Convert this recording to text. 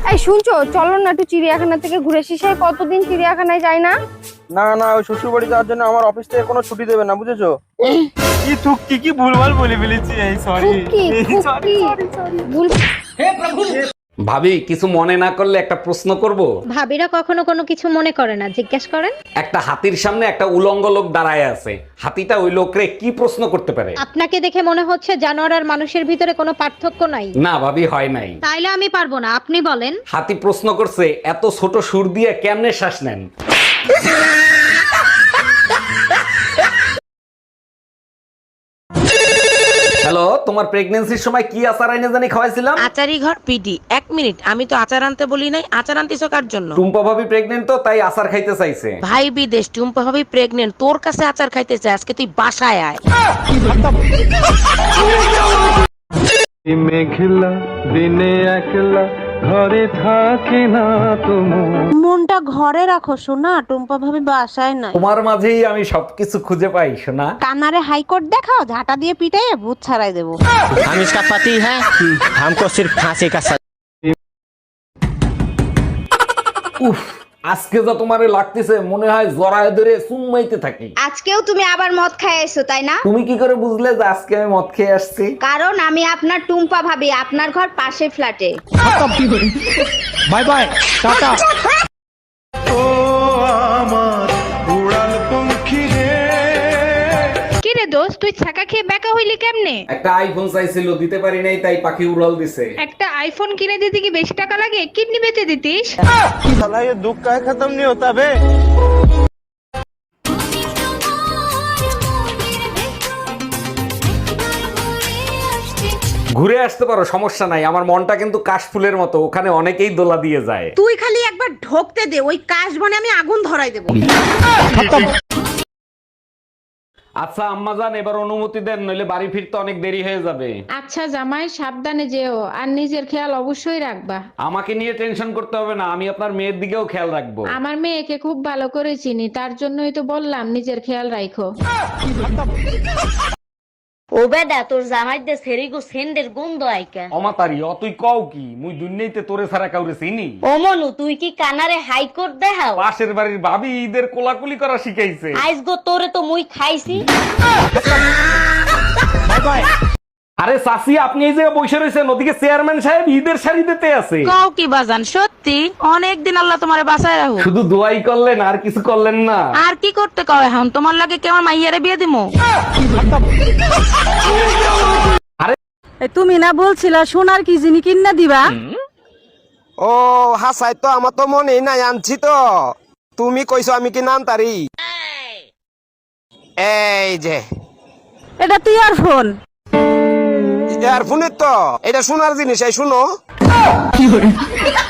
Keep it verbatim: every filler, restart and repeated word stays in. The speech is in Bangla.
এই শুনছো, চলো না একটু চিড়িয়াখানা থেকে ঘুরে আসি। সেই কতদিন চিড়িয়াখানায় যাই না। না না, ওই শ্বশুর বাড়ি যাওয়ার জন্য আমার অফিস থেকে কোনো ছুটি দেবে না, বুঝেছো? কি থুকি কি ভুলভাল বলে ফেলেছি, এই সরি ফুকি ফুকি ভুল। ভাবি কিছু মনে না করলে একটা প্রশ্ন করব। ভাবিরা কখনো কোনো কিছু মনে করে না, জিজ্ঞেস করেন। একটা হাতির সামনে একটা উলঙ্গ লোক দাঁড়ায় আছে, হাতিটা ওই লোকরে কি প্রশ্ন করতে পারে? আপনাকে দেখে মনে হচ্ছে জানোয়ার আর মানুষের ভিতরে কোনো পার্থক্য নাই। না ভাবি, হয় নাই। তাইলে আমি পারবো না, আপনি বলেন। হাতি প্রশ্ন করছে, এত ছোট সুর দিয়ে কেমনে শ্বাস নেন? হ্যালো, তোমার প্রেগন্যান্সির সময় কি আচার আইনে জানি খাওয়াইছিলাম? আচারি ঘর পিডি। এক মিনিট, আমি তো আচার আনতে বলি নাই। আচার আনতেছো কার জন্য? টুম্পা ভাবি প্রেগনেন্ট তো, তাই আচার খাইতে চাইছে। ভাই বিদেশ, টুম্পা ভাবি প্রেগনেন্ট, তোর কাছে আচার খাইতে চাই। আজকে তুই বাসায় আয়। মেঘলা দিনে একলা ঘরে থাকে না তোমার। মনটা ঘরে রাখো সোনা, টুম্পা ভাবি বাসায় নাই। তোমার মাঝেই আমি সবকিছু খুঁজে পাই সোনা। কানারে হাইকোর্ট দেখাও, ঝাঁটা দিয়ে পিটাইয়ে ভূত ছাড়াই দেবো। हम इसका पति है, हमको सिर्फ फांसी का सजा। উফ, আজকে যা তোমারে লাগতেছে মনে হয় জড়ায় ধরে চুম্মাইতে থাকি। আজকেও তুমি আবার মদ খাই এসো তাই না? তুমি কি করে বুঝলে যে আজকে আমি মদ খেয়ে আসছি? কারণ আমি আপনার টুম্পা ভাবি, আপনার ঘর পাশে ফ্ল্যাটে। Bye bye Tata. ও আমার উড়াল পঙ্খী রে। কি রে দোস্ত, তুই ছাকা খেয়ে বেকা হইলি কেমনে? একটা আইফোন চাইছিল, দিতে পারি নাই, তাই পাখি উড়াল দিছে। একটা আইফোন কিনে দিতে কি বেশি টাকা লাগে? কিডনি বেচে দিতিস। साला ये दुख का खत्म नहीं होता बे। ঘুরে আসতে পারো, সমস্যা নাই। আমার মনটা কিন্তু কাশফুলের মতো, ওখানে অনেকেই দোলা দিয়ে যায়। তুই খালি একবার ঢোকতে দে, ওই কাশ বনে আমি আগুন ধরাই দেবো। আচ্ছা আম্মাজান, এবার অনুমতি দেন, নইলে বাড়ি ফিরতে অনেক দেরি হয়ে যাবে। আচ্ছা জামাই, সাবধানে যেও আর নিজের খেয়াল অবশ্যই রাখবা। আমাকে নিয়ে টেনশন করতে হবে না, আমি আপনার মেয়ের দিকেও খেয়াল রাখবো। আমার মেয়েকে খুব ভালো করে চিনি, তার জন্যই তো বললাম নিজের খেয়াল রাখো। ও বেদা, তোর জামাই দে সেরিগো সেন্ডের গন্ধ আইকা। অমাতারি অ তুই কও কি? মুই দুনিয়াতে তোরে ছাড়া কাউরে চিনি? ও মনু, তুই কি কানারে হাইকোর্ট দেখাও? পাশের বাড়ির ভাবি ঈদের কোলাকুলি করা শিখাইছে। আইস গো তোরে তো মুই খাইছি। আরে চাচি, আপনি এই জায়গায় বসে রয়েছেন, ওদিকে চেয়ারম্যান সাহেব ঈদের শাড়ি দিতে আছে। কও কি বাজান, সত্যি অনেক দিন আল্লাহ তোমারে বাঁচায় রাখো। শুধু দোয়াই করলেন, আর কিছু করলেন না? আর কি করতে কও এখন? তোমার লাগে কেমন মাইয়ারে বিয়ে দিমু? তুমি না বলছিলা সোনার কি জিনি কিনা দিবা? ও হাসাই তো, আমার তো মনে নাই, আনছি তো। তুমি কইছো আমি কি নাম তারি? এই যে এটা তুই আর ফোন। ইয়ারফোনের তো, এটা শোনার জিনিস, এই শুনো।